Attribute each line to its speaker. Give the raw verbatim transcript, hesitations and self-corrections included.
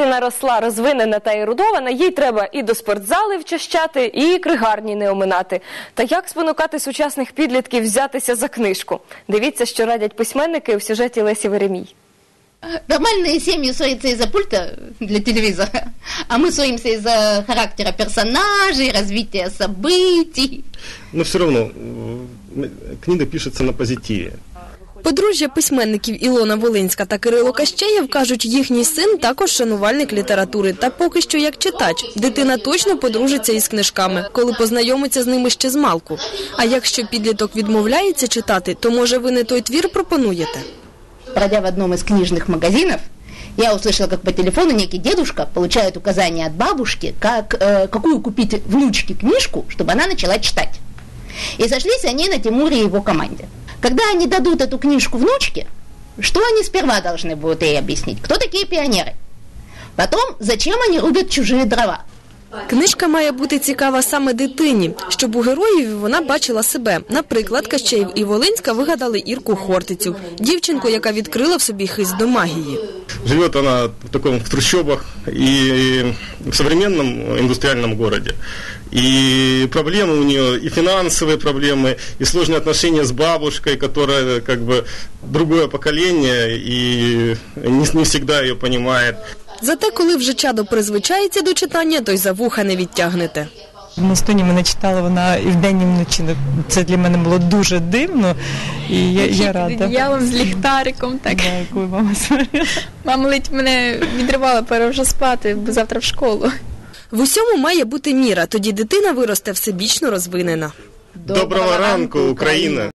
Speaker 1: дитина росла розвинена та ерудована, їй треба і до спортзали вчащати, і книгарні не оминати. Та як спонукати сучасних підлітків взятися за книжку? Дивіться, що радять письменники у сюжеті Лесі Веремій.
Speaker 2: Нормальные семьи ссорятся из-за пульта для телевизора, а мы ссоримся из-за характера персонажей, развития событий.
Speaker 3: Но все равно книга пишется на позитиве.
Speaker 4: Подружжя письменників Ілона Волинська та Кирило Кащеєв кажуть, їхній син також шанувальник літератури. Та поки що як читач. Дитина точно подружиться із книжками, коли познайомиться з ними ще з малку. А якщо підліток відмовляється читати, то може ви не той твір пропонуєте?
Speaker 2: Пройдя в одном из книжных магазинов, я услышала, как по телефону некий дедушка получает указания от бабушки, как, э, какую купить внучке книжку, чтобы она начала читать. И сошлись они на Тимуре и его команде. Когда они дадут эту книжку внучке, что они сперва должны будут ей объяснить? Кто такие пионеры? Потом, зачем они рубят чужие дрова?
Speaker 4: Книжка має бути цікава саме дитині, щоб у героїв вона бачила себе. Наприклад, Кащеєв і Волинська вигадали Ірку Хортицю, дівчинку, яка відкрила в собі хист до магії.
Speaker 3: Живе вона в такому в трущобах і в современном индустриальном городе. И проблемы у нее, и финансовые проблемы, и сложные отношения с бабушкой, которая как бы другое поколение и не, не всегда ее понимает.
Speaker 4: Зате, коли вже чадо призвичається до читання, то й за вуха не відтягнете.
Speaker 5: На стоні мене читала вона і вдень, і вночі. Це для мене було дуже дивно, і я, я рада.
Speaker 6: Я вам з ліхтариком, так.
Speaker 5: Да, коли мама сварила.
Speaker 6: Мама ледь мене відривала, пора вже спати, бо завтра в школу.
Speaker 4: В усьому має бути міра, тоді дитина виросте всебічно розвинена.
Speaker 3: Доброго ранку, Україна!